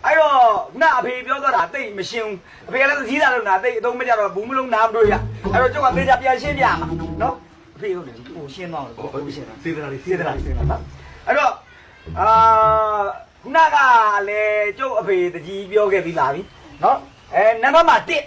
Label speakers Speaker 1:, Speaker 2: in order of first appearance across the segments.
Speaker 1: အဲ့တော့ခုနအဖေပြောသွားတာတိတ်မရှင်းဘူးအဖေကလည်းသတိသားလို့နာတိတ်အသုံးမကြတော့ဘူးမလုံးနားမတွေ့ရအဲ့တော့ကျုပ်ကသေချာပြန်ရှင်းပြမှာနော်အဖေဟုတ်တယ်ဟိုရှင်းသွားတယ်ဟိုရှင်းတာစေတနာလေးစေတနာလေးနော်အဲ့တော့ခုနကလည်းကျုပ်အဖေတကြီးပြောခဲ့ပြီးလာပြီနော်နံပါတ်မှာ1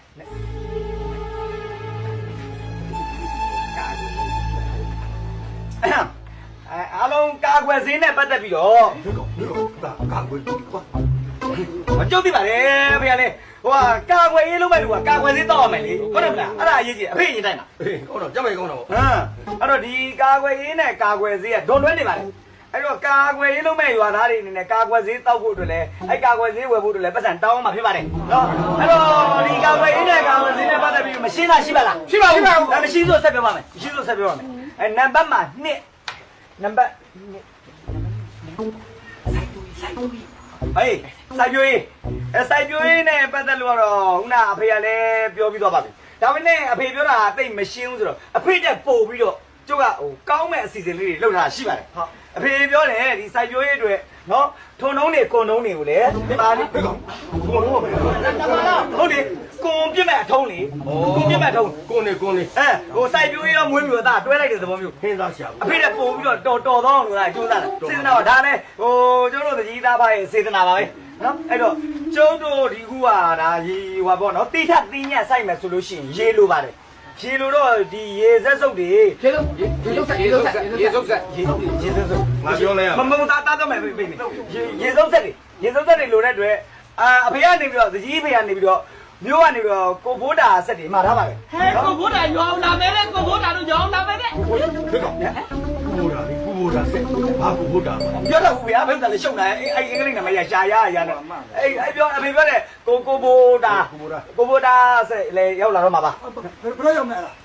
Speaker 1: အားလုံးကာကွယ်စင်းနဲ့ပတ်သက်ပြီးတော့ကာကွယ်ကွာမကြုတ်သိပါလေဖေကလေဟိုကာကွယ်ရေးလုပ်မဲ့လူကကာကွယ်စင်းတောက်ရမယ်လေဟုတ်တယ်မလားအဲ့ဒါအရေးကြီးအဖေရင်တိုင်းမှာ
Speaker 2: ကောင်းတော့ကြက်မိုင်ကောင်းတော့
Speaker 1: ဟမ်အဲ့တော့ဒီကာကွယ်ရေးနဲ့ကာကွယ်စင်းကဒွန်တွဲနေပါလေအဲ့တော့ကာကွယ်ရေးလုပ်မဲ့ရွာသားတွေအနေနဲ့ကာကွယ်စင်းတောက်ဖို့အတွက်လည်းအဲ့ကာကွယ်စင်းဝယ်ဖို့အတွက်လည်းပတ်စံတောင်းမှဖြစ်ပါတယ်နော်အဲ့တော့ဒီကာကွယ်ရေးနဲ့ကာကွယ်စင်းနဲ့ပတ်သက်ပြီးမရှင်းတာရှိပါလား
Speaker 2: ရှိပါဘူး
Speaker 1: မရှိဆိုဆက်ပြောပါမယ်မရှိဆိုဆက်ပြောပါမယ်အဲ့နံပါတ်မှာ2နံပါတ်ဟေးစိုက်ပြိုးရေးစိုက်ပြိုးရေးနဲ့ပတ်သက်လို့တော့ခုနအဖေကလည်းပြောပြီးသွားပါပြီဒါပေမဲ့အဖေပြောတာတိတ်မရှင်းဘူးဆိုတော့အဖေတက်ပို့ပြီးတော့ကျုပ်ကဟိုကောင်းမဲ့အစီအစဉ်လေးတွေလုပ်ထားတာရှိပါတယ်ဟုတ်အဖေပြောတယ်ဒီစိုက်ပြိုးရေးအတွက်နော်ထုံနှုံးတွေကွန်နှုံးတွေကိုလည်းပါလိကွန်နှုံးပဲဟုတ်တယ်ကွန်ပြစ်မဲ့အထုံးလေကွန်ပြစ်မဲ့အထုံး
Speaker 2: ကွန်နေ
Speaker 1: ဟိုစိုက်ပြိုးရေးရောမွေးမြူသားတွဲလိုက်တဲ့သဘောမျိုး
Speaker 2: ဟင်းသားရှာ
Speaker 1: အဖေတက်ပို့ပြီးတော့တော်သောအောင်လို့လားကျိုးစားတာစေတနာတော့ဒါလည်းဟိုကျုပ်တို့တကြီးသားပါရဲ့စေတနာပါပဲနော်အဲ့တော့ကျုပ်တို့ဒီခုကဒါရေဟွာပေါ့နော်တိထတိညက်စိုက်မယ်ဆိုလို့ရှိရင်ရေလိုပါတယ်ရေလိုတော့ဒီရေဆက်စုပ်တွေ
Speaker 2: ရေစုပ်ဆက်
Speaker 1: ရေစုပ်ဆက်
Speaker 2: ငါပြောလဲရ
Speaker 1: မတားမယ်ပြေးရေစုပ်ဆက်တွေလိုတဲ့အတွက်အဖေကနေပြီးတော့တကြီးဖေကနေပြီးတော့မျိုးကနေပြီးတော့ကိုဘိုးတာဆက်တွေမှာထားပါပဲ
Speaker 3: ဟဲ့ကိုဘိုးတာညောင်းလာမယ်လေကိုဘိုးတာတို့ညောင်းလာမယ်တဲ့
Speaker 2: ဒီကောင်ကူဘိုးတာဆက်ဘာကူဘိုးတာ
Speaker 1: ပြောတော့ဘူးဗျာဘယ်လိုလဲရှုံတာအဲ့အင်္ဂလိပ်နာမည်ရရှာရနဲ့အဲ့ပြောအဖေပြောတဲ့ကိုဘိုးတာဆက်လေရောက်လာတော့မှာပါ
Speaker 2: ဘယ်လိုရောက်မလဲ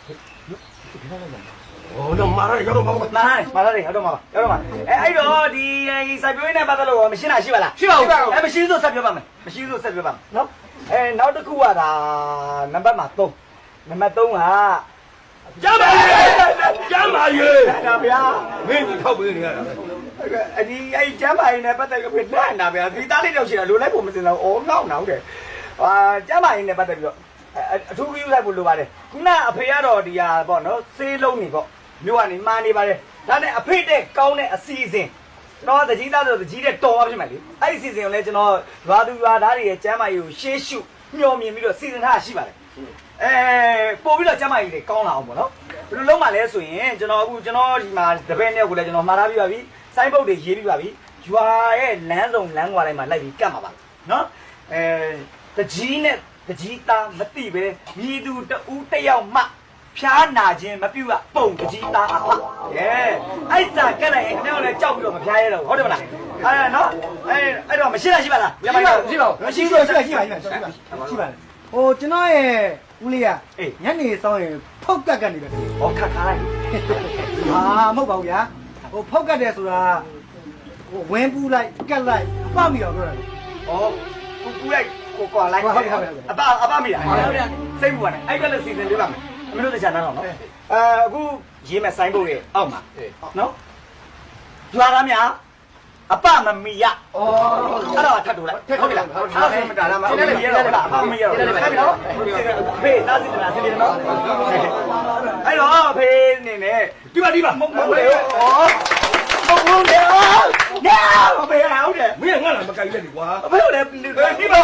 Speaker 2: 哦，那马上要到马上
Speaker 1: ဟုတ်တော့မှာရောက်တော့မှာအဲ့တော့ဒီစိုက်ပျိုးရေးနဲ့ပတ်သက်လို့မရှင်းတာရှိပါလား
Speaker 2: ရှိပါဘူး
Speaker 1: မရှိဆိုဆက်ပြောပါမယ်မရှိဆိုဆက်ပြောပါမယ်နော်နောက်တစ်ခုကဒါနံပါတ်မှာ3နံပါတ်3က
Speaker 2: ကျမ်းပါရေး
Speaker 1: ဒါဗျာ
Speaker 2: မင်းကြီးထောက်ပေးနေရတာ
Speaker 1: ဒီအဲ့ကျမ်းပါရင်နဲ့ပတ်သက်ပြီးနှံ့တာဗျာဒီသားလေးတော့ရှိတာလိုလိုက်ဖို့မစင်တော့အော်ငေါ့နောက်တယ်ကျမ်းပါရင်နဲ့ပတ်သက်ပြီးတော့အထူးပြုလိုက်ဖို့လိုပါတယ်ခုနအဖေကတော့ဒီဟာပေါ့နော်ဆေးလုံးနေပေါ့မြို့ကနေမှားနေပါတယ်ဒါနဲ့အဖေတဲ့ကောင်းတဲ့အစီအစဉ်ကျွန်တော်တကြီးသားဆိုတကြီးတဲ့တော်ပါဖြစ်မယ်လေအဲ့ဒီအစီအစဉ်ကိုလည်းကျွန်တော်ရွာသူရွာသားတွေရဲ့ကျမ်းမာရေးကိုရှေးရှုမျှော်မြင်ပြီးတော့စီစဉ်ထားရှိပါတယ်ပို့ပြီးတော့ကျမ်းမာရေးတွေကောင်းလာအောင်ပေါ့နော်ဘယ်လိုလုပ်မှလဲဆိုရင်ကျွန်တော်ဒီမှာတပည့်နှစ်ယောက်ကိုလည်းကျွန်တော်မှားထားပြီးပါပြီစိုင်းပုတ်တွေရေးပြီးပါပြီရွာရဲ့လမ်းစုံလမ်းကွာတိုင်းမှာလိုက်ပြီးကတ်မှာပါနော်တကြီးနဲ့တကြီးသားမသိပဲမြည်သူတဦးတယောက်မှဖျားနာခြင်းမပြုတ်ပုံတကြီးသားအဖအဲ့စာကက်လိုက်ရင်ကျွန်တော်လည်းကြောက်ပြီးတော့မဖျားရတော့ဟုတ်တယ်မလားနော်အဲ့တော့မရှိလားရှိပါလား
Speaker 2: ရှိပါ
Speaker 1: မရှိဆိုရှိပါ
Speaker 2: ဟိုကျွန်တော်ရဲ့ဦးလေးကညနေစောင်းရင်ဖောက်ကတ်နေတယ်
Speaker 1: ဟောခတ်ခိုင်း
Speaker 2: မဟုတ်ပါဘူးဗျာဟိုဖောက်ကတ်တယ်ဆိုတာဟိုဝင်းပူးလိုက်ကတ်လိုက်ပေါက်မိတော့ပြောတာ
Speaker 1: ဩပူလိုက်ကိုကွာလိုက်အပမိတာစိတ်ပူရတယ်အဲ့ကလည်းစီစဉ်ပေးပါမယ်အမလို့တခြားနားတော့နော်အခုရေးမဲ့ဆိုင်းဘုတ်ရဲ့အောက်မှာနော်ကြွားသားများအပမမီရအဲ့တော့ထပ်တူလိုက်ဟုတ်ပြီလားအဲ့ဒါဆိုမတားလားမဟုတ်ဘူးရတော့လားအပမမီရတော့အဲ့ဒီနော်ဖေးသားစီတနာစီတယ်နော်အဲ့တော့ဖေးနေနဲ့
Speaker 2: ဒီပါ
Speaker 1: မဟုတ်လေဩဟုတ်တယ်နော်ဖေးဟုတ်တယ်
Speaker 2: မင်းငါ့လားမကြိုက်လက်ဒီကွာ
Speaker 1: ဖေးဟုတ်တယ်ဒီပါ
Speaker 2: မင်း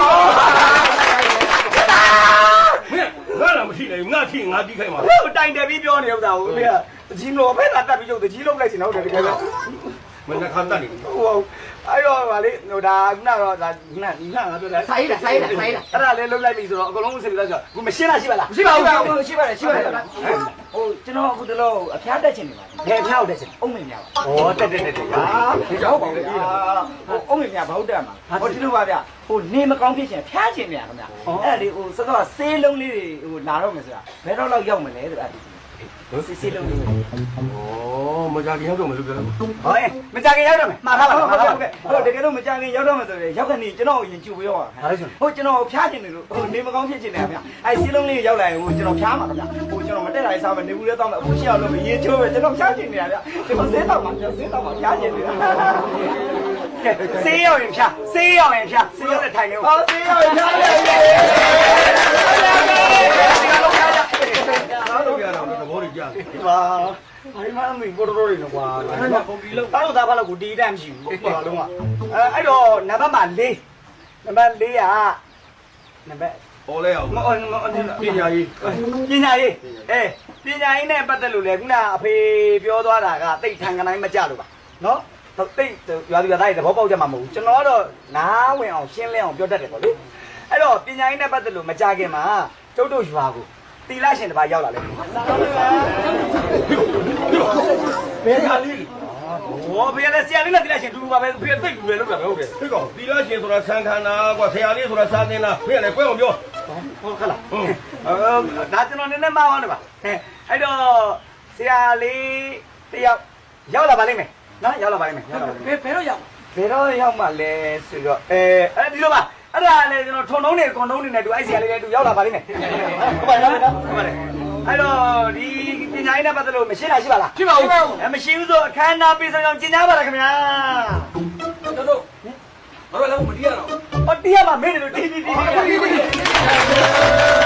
Speaker 2: ငါ့လားမရှိနိုင်ငါထိငါပြီးခိုင်းပါ
Speaker 1: ဟိုတိုင်တယ်ပြီးပြောနေဥစ္စာကိုဖေးကတကြီးလို့ဖေးလာတက်ပြီးရုပ်တကြီးလုံးလိုက်စင်ဟုတ်တယ်တကယ်တော့
Speaker 2: မင်းကခါတက်နေ
Speaker 1: ဟိုအဲ့တော့ဗာလေဟိုဒါခုနကတော့ဒါခုနငါပြောတယ်
Speaker 3: ဆိုင်တာ
Speaker 1: အဲ့ဒါလေးလုံးလိုက်ပြီဆိုတော့အကုန်လုံးစစ်ပြီးတော့ဆိုခုမရှင်းလားရှိပါလား
Speaker 3: ရှိပါဘူးရှိပါတယ်
Speaker 1: ဟိုကျွန်တော်အခုတလို့အဖျားတက်ချင်နေပါဘယ်အဖျားကိုတက်ချင်အုံးမင်းများပါဩတက်ဟာ
Speaker 3: ရောက်ပါဘူးဟိုအုံးမင်းများဘာဟုတ်တက်မှာဟိုဒီလိုပါဗျဟိုနေမကောင်းဖြစ်ချင်ဖျားချင်နေရခင်ဗျအဲ့ဒါလေးဟိုစကားဆေးလုံးလေးတွေဟိုလာတော့မယ်ဆိုတာဘယ်တော့လောက်ရောက်မလဲဆိုတာဆေးလုံးလေး
Speaker 2: မကြခင်ရောက်တော့မလို့ပြောတယ်
Speaker 1: မကြခင်ရောက်တော့မယ်မှားထားပါလား
Speaker 3: ဟုတ်တကယ်လို့မကြခင်ရောက်တော့မယ်ဆိုရင်ရောက်ခဏကျွန်တော်ရင်ကျူပြောပါဟိုကျွန်တော်ဖျားချင်တယ်လို့ဟိုနေမကောင်းဖြစ်ချင်တယ်ခင်ဗျအဲ့ဆေးလုံးလေးရောက်လာရင်ဟိုကျွန်တော်ဖျားမှာခင်ဗျဟိုကျွန်တော်မတက်လာရင်စားမယ်နေဘူးလေးတောင်းမယ်အခုရှိအောင်လို့ရေချိုးမယ်ကျွန်တော်ဖျားချင်နေတာဗျကျွန်တော်ဆေးတော့မှာဖျားချင်နေတာ
Speaker 1: ဆေးရောက်ရင်ဖြာဆေးရောက်ရင်ဖြာဆေးရောက်တဲ့ထိုင်နေဦး
Speaker 3: ဟောစေးရောရှားရတယ်
Speaker 4: အားလုံးပြရတော့သဘောတွေကြား
Speaker 1: ပါဘာမှမင်းဘောတော်တွေနော်ကွာပုံပြီးလို့တောက်သားဖတ်လို့ကိုတီးတမ်းမရှိဘူးဘာလုံးကအဲ့တော့နံပါတ်မှာ4နံပါတ်4ကနံပါတ်
Speaker 4: ပေါ်လဲအောင်
Speaker 1: မ
Speaker 4: ပညာရေး
Speaker 1: ပညာရေးပညာရေးနဲ့ပတ်သက်လို့လေခုနအဖေပြောသွားတာကတိတ်ထန်ကတိုင်းမကြလို့ပါနော်တိတ်ရွာသူရွာသားတွေသဘောပေါက်ကြမှာမဟုတ်ဘူးကျွန်တော်ကတော့နားဝင်အောင်ရှင်းလင်းအောင်ပြောတတ်တယ်ပေါ့လေအဲ့တော့ပညာရေးနဲ့ပတ်သက်လို့မကြခင်မှာကျုပ်တို့ရွာကိုတီလာရှင်တစ်ပါးရောက်လာလေ
Speaker 4: ဘယ်ခါလေး
Speaker 1: ဟောဖေလည်းဆရာလေးနဲ့တီလာရှင်တူတူပါပဲဖေသိတူတယ်လို့ပြောဟုတ်တယ်
Speaker 4: ဖြစ်ကောင်တီလာရှင်ဆိုတာဆန်ခန္ဓာကွာဆရာလေးဆိုတာစာသင်လားဖေလည်းကွဲအောင်ပြော
Speaker 1: ဟုတ်ခလားဒါကျွန်တော်နည်းနည်းမှားသွားတယ်ပါအဲ့တော့ဆရာလေးတယောက်ရောက်လာပါလိမ့်မယ်နော်ရောက်လာပါလိမ့်မယ်ရောက်လာပါလိမ့်မယ်
Speaker 3: ဘယ်တော့ရောက်
Speaker 1: ဘယ်တော့ရောက်မှလဲဆိုတော့ဒီလိုပါအဲ့ဒါလေကျွန်တော်ထုံထုံးနေကွန်ထုံးနေနဲ့တူအဲ့ဆရာလေးလည်းတူရောက်လာပါလိမ့်မယ်ဟုတ်ပါလားဟုတ်ပါတယ်အဲ့တော့ဒီပညာရေးနဲ့ပတ်သက်လို့မရှိလားရှိပါလားရှိပါဘူးမရှိဘူးဆိုအခမ်းအနားပေးဆောင်ကျင်ညာပါလားခင်ဗျာ
Speaker 3: တို့ဘာလို့လဲမတီးရတော့
Speaker 1: ဟောတီးရမှာမင်းတို့တီး